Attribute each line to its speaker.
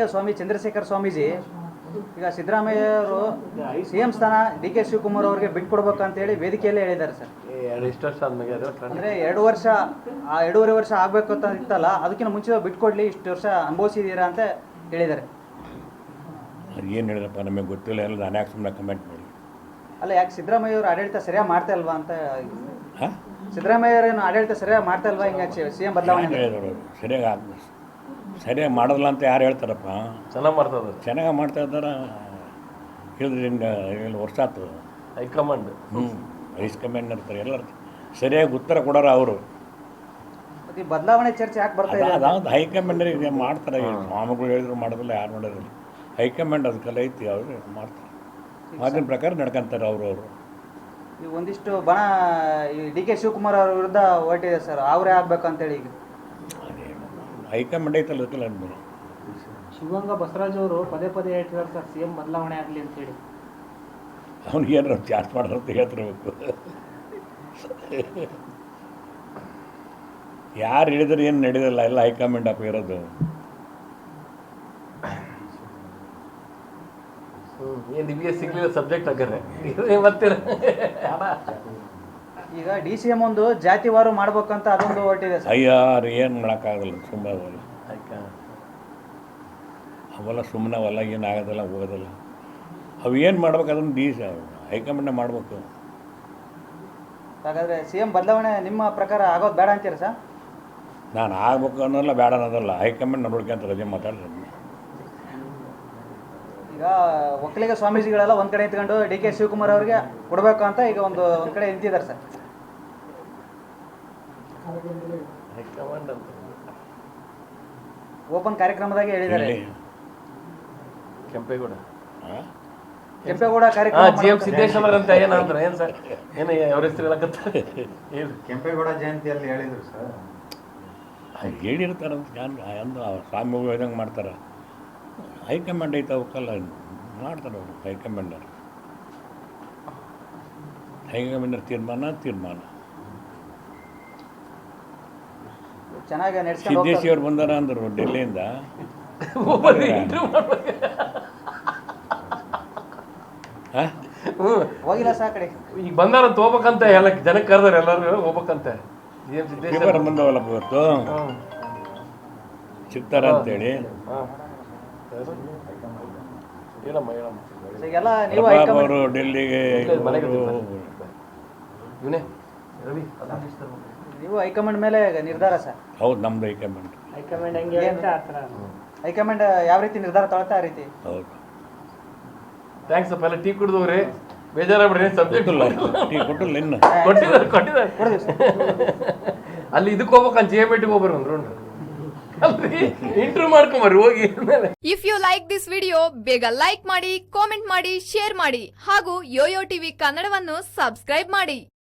Speaker 1: ಸ್ವಾಮಿ ಚಂದ್ರಶೇಖರ್ ಸ್ವಾಮೀಜಿ ಈಗ ಸಿದ್ದರಾಮಯ್ಯ ಅವರು CM ಸ್ಥಾನ DK ಶಿವಕುಮಾರ್ ಅವರಿಗೆ ಬಿಟ್ಕೊಡ್ಬೇಕಂತೇಳಿ ವೇದಿಕೆಯಲ್ಲೇ ಹೇಳಿದ್ದಾರೆ ಸರ್.
Speaker 2: ಎಷ್ಟು ವರ್ಷ ಆದ್ಮೇಲೆ
Speaker 1: ಅಂದರೆ 2 ವರ್ಷ 2.5 ವರ್ಷ ಆಗಬೇಕು ಅಂತ ಇತ್ತಲ್ಲ, ಅದಕ್ಕಿಂತ ಮುಂಚೆ ಬಿಟ್ಕೊಡ್ಲಿ, ಇಷ್ಟು ವರ್ಷ ಅನುಭವಿಸಿದ್ದೀರಾ ಅಂತ ಹೇಳಿದ್ದಾರೆ.
Speaker 3: ಅದು ಏನು ಹೇಳಿದ್ರಪ್ಪ ನಮಗೆ ಗೊತ್ತಿಲ್ಲ, ಎಲ್ಲ ನಾನು ಯಾಕೆ ಸುಮ್ಮನೆ ಕಮೆಂಟ್ ಮಾಡಿ.
Speaker 1: ಅಲ್ಲ, ಯಾಕೆ ಸಿದ್ದರಾಮಯ್ಯ ಅವರು ಆಡಳಿತ ಸರಿಯಾಗಿ ಮಾಡ್ತಾ ಇಲ್ವಾ ಅಂತ. ಸಿದ್ದರಾಮಯ್ಯ ಅವರೇನು ಆಡಳಿತ ಸರಿಯಾಗಿ ಮಾಡ್ತಾ ಇಲ್ವಾ, ಹಿಂಗೆ CM ಬದಲಾವಣೆ
Speaker 3: ಹೇಳಿದ್ರು ಸರಿಯಾಗಿ ಮಾಡೋದಿಲ್ಲ ಅಂತ ಯಾರು ಹೇಳ್ತಾರಪ್ಪ.
Speaker 2: ಚೆನ್ನಾಗಿ ಮಾಡ್ತದ,
Speaker 3: ಚೆನ್ನಾಗಿ ಮಾಡ್ತಾ ಇದ್ದಾರೆ. ಹೇಳಿದ್ರೆ ಹಿಂಗೆ 7 ವರ್ಷ ಆಯ್ತು.
Speaker 2: ಹೈಕಮಾಂಡ್
Speaker 3: ಹೈಕಮಾಂಡ್ ಇರ್ತಾರೆ, ಎಲ್ಲರೂ ಸರಿಯಾಗಿ ಉತ್ತರ ಕೊಡೋರು ಅವರು.
Speaker 1: ಈ ಬದಲಾವಣೆ ಚರ್ಚೆ ಯಾಕೆ ಬರ್ತಾ ಇದೆ?
Speaker 3: ಅದಾவது ಹೈಕಮಾಂಡರಿಗೆ ಮಾಡ್ತಾರೆ. ಸ್ವಾಮಿಗಳು ಹೇಳಿದ್ರು ಮಾಡೋದಿಲ್ಲ, ಯಾರು ಮಾಡೋದಿಲ್ಲ. ಹೈಕಮಾಂಡ್ ಅದಕ್ಕೆಲ್ಲ ಐತಿ, ಅವರು ಮಾಡ್ತಾರೆ. ಆಗಿನ ಪ್ರಕಾರ ನಡ್ಕೊಂತಾರೆ ಅವರು.
Speaker 1: ಈಗ ಒಂದಿಷ್ಟು ಬಣ ಈ DK ಶಿವಕುಮಾರ್ ಅವ್ರ ವಿರುದ್ಧ ಹೊರಟಿದೆ ಸರ್, ಅವರೇ ಆಗ್ಬೇಕಂತೇಳಿ. ಈಗ
Speaker 3: ಹೈಕಮಾಂಡ್ ಐತಲ್ಲ, ಅದಕ್ಕೆಲ್ಲ ಅನ್ಬೋದು.
Speaker 4: ಶಿವಗಂಗಾ ಬಸವರಾಜ್ ಅವರು ಪದೇ ಪದೇ ಹೇಳ್ತಿದ್ದಾರೆ ಸರ್, CM ಬದಲಾವಣೆ ಆಗಲಿ ಅಂತೇಳಿ.
Speaker 3: ಅವ್ನಿಗೆ ಏನಾರು ಚಾರ್ಜ್ ಮಾಡೋರು ಅಂತ ಹೇಳ್ತಿರ್ಬೇಕು. ಯಾರು ಹೇಳಿದ್ರೆ ಏನು ನಡೆಯೋದಿಲ್ಲ, ಎಲ್ಲ ಹೈಕಮಾಂಡ್ ಅಪ್ಪ ಇರೋದು.
Speaker 2: ಏನು ನಿಮಗೆ ಸಿಗ್ಲಿಲ್ಲ ಸಬ್ಜೆಕ್ಟ್ ಹಾಗಾದ್ರೆ ಮತ್ತೆ
Speaker 1: ಈಗ DCM ಒಂದು ಜಾತಿವಾರು ಮಾಡ್ಬೇಕಂತ ಅದೊಂದು ಹೊರಟಿದೆ ಸರ್.
Speaker 3: ಅಯ್ಯಾರು ಏನು ಮಾಡೋಕ್ಕಾಗಲ್ಲ, ಸುಮ್ಮನೆ ಅವೆಲ್ಲ ಸುಮ್ಮನೆ ಅವೆಲ್ಲ ಏನು ಆಗೋದಿಲ್ಲ, ಹೋಗೋದಿಲ್ಲ. ಅವು ಏನು ಮಾಡ್ಬೇಕು ಅದನ್ನು ಹೈಕಮಾಂಡ್ ಮಾಡಬೇಕು.
Speaker 1: ಹಾಗಾದರೆ CM ಬದಲಾವಣೆ ನಿಮ್ಮ ಪ್ರಕಾರ ಆಗೋದು ಬೇಡ ಅಂತೀರಾ ಸರ್?
Speaker 3: ನಾನು ಆಗ್ಬೇಕು ಅನ್ನೋಲ್ಲ, ಬೇಡ ಅನ್ನೋದಲ್ಲ. ಹೈಕಮಾಂಡ್ ನೋಡ್ಕೊಂತ ರಜೆ ಮಾತಾಡ್ರಿ.
Speaker 1: ಈಗ ಒಕ್ಕಲಿಗ ಸ್ವಾಮೀಜಿಗಳೆಲ್ಲ ಒಂದು ಕಡೆ ನಿಂತ್ಕೊಂಡು DK ಶಿವಕುಮಾರ್ ಅವ್ರಿಗೆ ಕೊಡಬೇಕು ಅಂತ ಈಗ ಒಂದು ಕಡೆ ನಿಂತಿದ್ದಾರೆ ಸರ್.
Speaker 2: ಹೈಕಮಾಂಡ್ ಅಂತ
Speaker 1: ಓಪನ್ ಕಾರ್ಯಕ್ರಮದಾಗೆ ಹೇಳಿದ್ದಾರೆ.
Speaker 2: ಕೆಂಪೇಗೌಡ
Speaker 1: ಕಾರ್ಯಕ್ರಮ
Speaker 2: GM ಸಿದ್ದೇಶ್ವರ ಅಂತ ಏನಂದ್ರೆ ಏನು ಸರ್, ಏನು ಅವ್ರ ಹೆಸರು ಹೇಳಕತ್ತಾರೆ?
Speaker 5: ಕೆಂಪೇಗೌಡ ಜಯಂತಿಯಲ್ಲಿ ಹೇಳಿದ್ರು ಸರ್.
Speaker 3: ಹೇಳಿರ್ತಾರಂತ ಅಂದು ಸ್ವಾಮಿಗಳು ಹೇಳ್ದಂಗೆ ಮಾಡ್ತಾರೆ. ಹೈಕಮಾಂಡ್ ಐತೆ, ಅವಕ್ಕೆಲ್ಲ ಮಾಡ್ತಾರೆ ಅವರು. ಹೈಕಮಾಂಡರ್ ತೀರ್ಮಾನ
Speaker 1: ಚೆನ್ನಾಗಿ
Speaker 3: ಸಿದ್ದೇಶಿ ಅವ್ರು ಬಂದಾರ ಅಂದರು ಡೆಲ್ಲಿಯಿಂದ.
Speaker 1: ಹೋಗಿಲ್ಲ ಸಾ ಕಡೆ
Speaker 2: ಈಗ ಬಂದಾರಂತ ಹೋಗ್ಬೇಕಂತ ಎಲ್ಲ ಜನಕ್ಕೆ ಕರೆದಾರೆ, ಎಲ್ಲರೂ ಹೋಗ್ಬೇಕಂತ. GM ಸಿದ್ದೇಶ್ವರ
Speaker 3: ಬಂದವಲ್ಲ ಇವತ್ತು, ಸಿಗ್ತಾರ ಅಂತೇಳಿ.
Speaker 1: ಈಗೆಲ್ಲ ನೀವು
Speaker 3: ಅವರು ಡೆಲ್ಲಿಗೆ
Speaker 1: ನೀವು ಹೈಕಮಾಂಡ್ ಮೇಲೆ ನಿರ್ಧಾರ ಸರ್?
Speaker 3: ಹೌದು, ನಮ್ದು ಹೈಕಮಾಂಡ್.
Speaker 4: ಹೈಕಮಾಂಡ್ ಹೆಂಗೆ ಅಂತ ಆ ಥರ.
Speaker 1: ಹೈಕಮಾಂಡ್ ಯಾವ ರೀತಿ ನಿರ್ಧಾರ ತಗೊಳ್ತಾ ಆ ರೀತಿ.
Speaker 3: ಹೌದು,
Speaker 2: ಥ್ಯಾಂಕ್ಸ್ ಅಪ್ಪ. ಎಲ್ಲ ಟೀ ಕುಡಿದವ್ರಿ, ಬೇಜಾರಾಗ್ಬಿಡ್ರಿ. ಸಬ್ಜೆಕ್ಟ್
Speaker 3: ಟೀ ಕೊಟ್ಟಿಲ್ಲ ಇನ್ನು.
Speaker 2: ಕೊಟ್ಟಿದ್ದಾರೆ. ಅಲ್ಲಿ ಇದಕ್ಕೆ ಹೋಗ್ಬೇಕಂತ JMET ಹೋಗ್ಬರ್ರಿ ಒಂದು ರೌಂಡ್ ಇಂಟರ್ವ್ಯೂ ಮಾಡ್ಕೊಂಬರ್ರಿ ಹೋಗಿ.
Speaker 6: If you like this video ಬೇಗ ಲೈಕ್ ಮಾಡಿ, ಕಾಮೆಂಟ್ ಮಾಡಿ, ಶೇರ್ ಮಾಡಿ ಹಾಗೂ ಯೋಯೋ ಟಿವಿ ಕನ್ನಡವನ್ನು ಸಬ್ಸ್ಕ್ರೈಬ್ ಮಾಡಿ.